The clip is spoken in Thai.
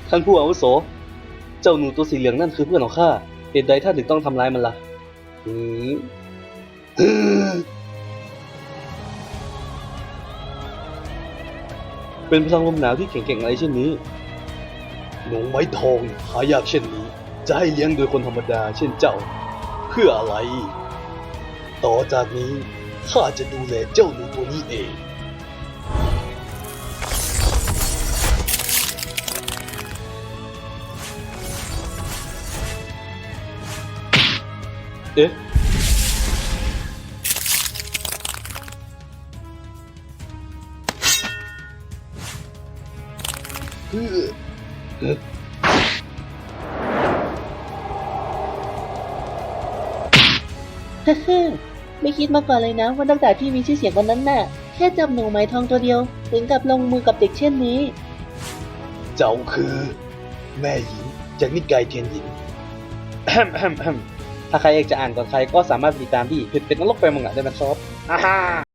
ท่านผู้อาวุโสเจ้าหนูตัวสีเหลืองนั่นคือเพื่อนของข้าเหตุใดท่านถึงต้องทำร้ายมันล่ะหืมเป็นพลังลมหนาวที่แข็งแกร่งอะไรเช่นนี้หนูไม้ทองหายากเช่นนี้จะให้เลี้ยงโดยคนธรรมดาเช่นเจ้าเพื่ออะไรต่อจากนี้ข้าจะดูแลเจ้าหนูตัวนี้เองเอ๊ะไม่คิดมาก่อนเลยนะว่าตั้งแต่ที่มีชื่อเสียงวันนั้นน่ะแค่จับหนูไหมทองตัวเดียวถึงกับลงมือกับเด็กเช่นนี้เจ้าคือแม่หญิงจากนิกายเทียนหญิงถ้าใครอยากจะอ่านก่อนใครก็สามารถติดตามที่เพจเป็ดนรกไฟมังงะได้นะครับ